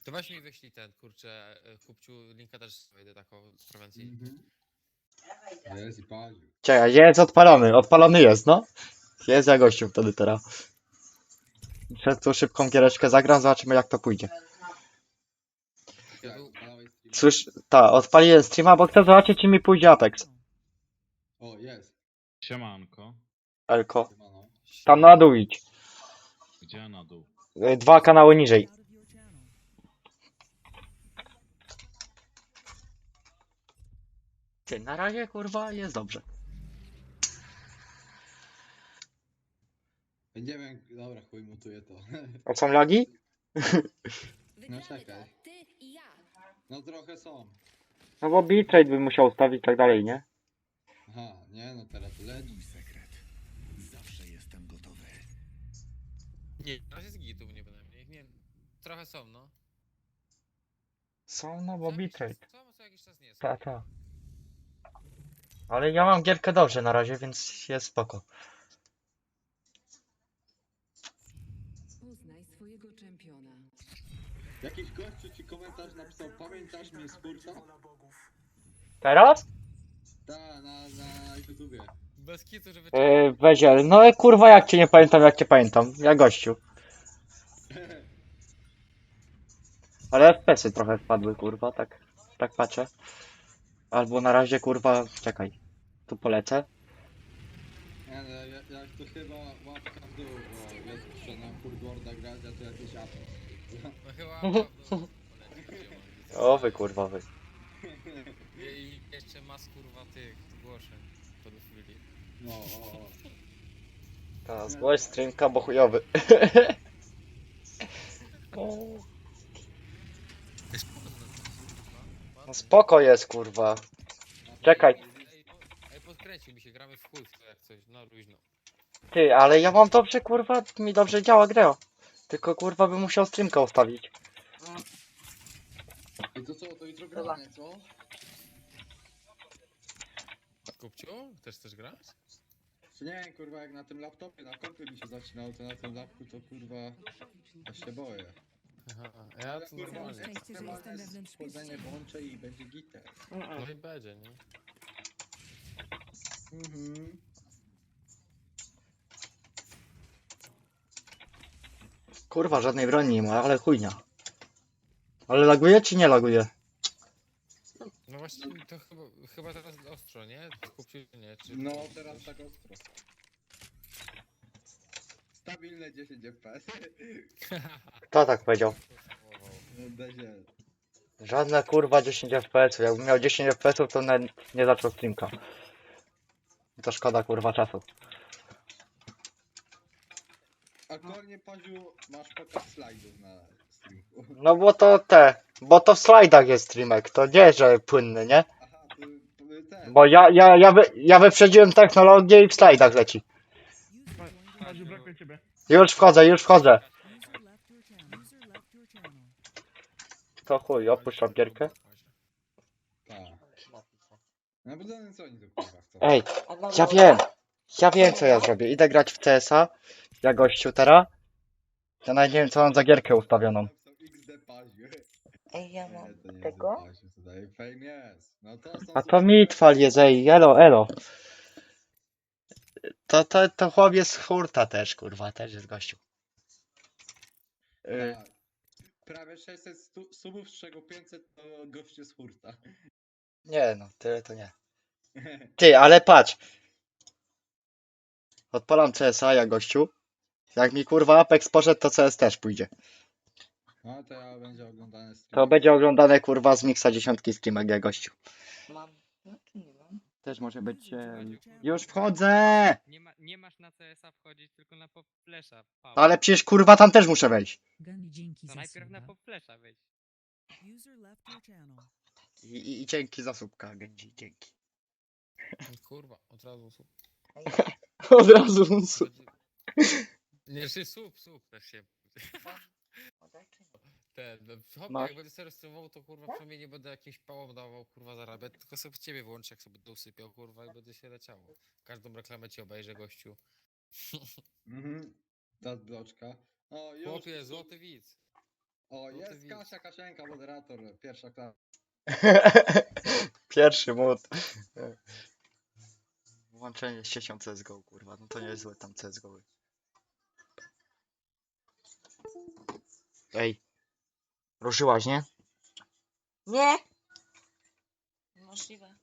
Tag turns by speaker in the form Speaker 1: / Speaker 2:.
Speaker 1: To weź mi wyślij ten, kurczę, kupciu, linka też wejdę taką z prewencji.
Speaker 2: Jest i palił.
Speaker 3: Czekaj, jest odpalony, odpalony jest, no. Jest ja gościu wtedy teraz. Przez tu szybką giereczkę zagram, zobaczymy jak to pójdzie.
Speaker 2: Jak odpalałeś streama?
Speaker 3: Słysz, odpaliłem streama, bo chcę zobaczyć czy mi pójdzie Apex.
Speaker 2: O, jest.
Speaker 4: Siemanko.
Speaker 3: Elko.
Speaker 2: Siemano.
Speaker 3: Tam na dół idź.
Speaker 4: Gdzie na dół?
Speaker 3: 2 kanały niżej. Ty, na razie kurwa jest dobrze.
Speaker 2: Nie wiem, dobra, chuj, mutuję to.
Speaker 3: A są lagi?
Speaker 2: No czekaj. No trochę są.
Speaker 3: No bo bitrate bym musiał ustawić i tak dalej, nie?
Speaker 2: Aha, nie no teraz to leci.
Speaker 1: Nie, na razie z gitów nie bynajmniej. Nie, trochę są, no.
Speaker 3: Są, no bo bitrate.
Speaker 1: Co jakiś czas nie są.
Speaker 3: Ta. Ale ja mam gierkę dobrze na razie, więc jest spoko.
Speaker 5: Poznaj swojego czempiona.
Speaker 2: Jakiś gościu ci komentarz napisał, pamiętasz mnie z Furta?
Speaker 3: Teraz?
Speaker 2: Ta, na YouTubie.
Speaker 1: Bez kitu, żeby...
Speaker 3: Weziel, no kurwa jak cię nie pamiętam, jak cię pamiętam. Ja gościu. Ale FPS-y trochę wpadły, kurwa, tak patrzę. Albo na razie, kurwa, czekaj. Tu polecę.
Speaker 2: Nie no, jak to chyba łapka w dół, bo jest że na Furtworda grać, a to jakieś apy.
Speaker 1: No chyba pewno poleci.
Speaker 3: O wy, kurwa, wy.
Speaker 1: I jeszcze mas kurwa tych zgłoszeń pedofilii.
Speaker 2: No, o.
Speaker 3: Ta, zgłoś streamka, bo chujowy. No spoko jest, kurwa. Czekaj.
Speaker 1: Ej, podkręcił mi się, gramy w chuj w to jak coś, no luźno.
Speaker 3: Ty, ale ja mam dobrze, kurwa, mi dobrze działa gra. Tylko, kurwa, bym musiał streamka ustawić.
Speaker 2: I to co, to jutro gramy, co?
Speaker 1: Kupciu, chcesz grać?
Speaker 2: Czy nie, kurwa, jak na tym laptopie, na kompie mi się zaczynało, to na tym lapku to kurwa, aż się boję.
Speaker 1: Aha, ja to
Speaker 2: kurwa,
Speaker 1: normalnie.
Speaker 5: szczęście, że jestem
Speaker 2: ekstremalne
Speaker 5: wewnątrz
Speaker 2: schłodzenie
Speaker 5: mieście.
Speaker 2: włączę i będzie gitar.
Speaker 1: No i będzie, nie?
Speaker 3: Kurwa, żadnej broni nie ma, ale chujnia. Ale laguje czy nie laguje?
Speaker 1: No właśnie, to chyba teraz ostro, nie? Kupciu, nie? Czy...
Speaker 2: No, teraz tak ostro. Stabilne 10 FPS.
Speaker 3: Kto tak powiedział?
Speaker 2: Dezie.
Speaker 3: Żadne kurwa 10 FPS. Jakbym miał 10 FPS, to nawet nie zaczął streamka. To szkoda kurwa czasu.
Speaker 2: A kornie Paziu, masz pokaz slajdów na streamku.
Speaker 3: No bo to w slajdach jest streamek, to nie, że płynny, nie?
Speaker 2: Aha, to ten.
Speaker 3: Bo ja wyprzedziłem technologię i w slajdach leci.
Speaker 4: Madziu, brakuje ciebie.
Speaker 3: Już wchodzę. To chuj, opuszczam gierkę.
Speaker 2: Tak. No bo to co oni tu kurwa chcą?
Speaker 3: Ej, ja wiem co ja zrobię. Idę grać w CS-a, ja gościu teraz. Ja nawet nie wiem co mam za gierkę ustawioną.
Speaker 2: Napisał XD Paziu.
Speaker 6: Ej, ja
Speaker 2: Nie,
Speaker 6: mam
Speaker 2: to nie
Speaker 6: tego?
Speaker 2: jest Paziu, tutaj fame jest. No to są
Speaker 3: A to mitwal jest, ej, elo. To chłop jest z hurta też, kurwa, też jest gościu.
Speaker 2: Tak. Prawie 600 subów, z czego 500 to goście z hurta.
Speaker 3: Nie no, tyle to nie. Ty, ale patrz. Odpalam CS-a, ja gościu. Jak mi kurwa Apex poszedł, to CS też pójdzie.
Speaker 2: No to ja będzie oglądane stream.
Speaker 3: To będzie oglądane kurwa z Mixa 10 streamek, ja gościu.
Speaker 6: Mam. No to nie mam.
Speaker 3: Też może być... Już wchodzę!
Speaker 7: Nie masz na CS-a wchodzić, tylko na pop flesza.
Speaker 3: Ale przecież kurwa tam też muszę wejść.
Speaker 5: Gani, dzięki
Speaker 7: To
Speaker 5: za
Speaker 7: najpierw na
Speaker 5: suba.
Speaker 7: pop flesza wejdź.
Speaker 5: User left your channel.
Speaker 3: I dzięki za słupka, Genji, dzięki.
Speaker 1: Kurwa, od razu słup.
Speaker 6: Ej,
Speaker 3: Od razu słup.
Speaker 1: Nie, czy słup też się...
Speaker 6: podaj czy nie?
Speaker 1: Hop,
Speaker 3: Masz?
Speaker 1: jak będę sobie streamował, to kurwa przynajmniej nie będę jakimś pałom dawał, kurwa, zarabiać, tylko sobie ciebie włączę, jak sobie będę usypiał, kurwa, i będzie się leciało. Każdą reklamę ci obejrzę, gościu.
Speaker 2: Mhm. Ta bloczka. O, już.
Speaker 1: Chłopie, złoty widz.
Speaker 2: O,
Speaker 1: ty
Speaker 2: jest
Speaker 1: widz.
Speaker 2: Kasia Kasienka, moderator, pierwsza klasa.
Speaker 3: Pierwszy mód. Włączenie z siecią CSGO, kurwa. No to niezłe tam CSGO. Ej. Ruszyłaś, nie?
Speaker 6: Nie! Możliwe.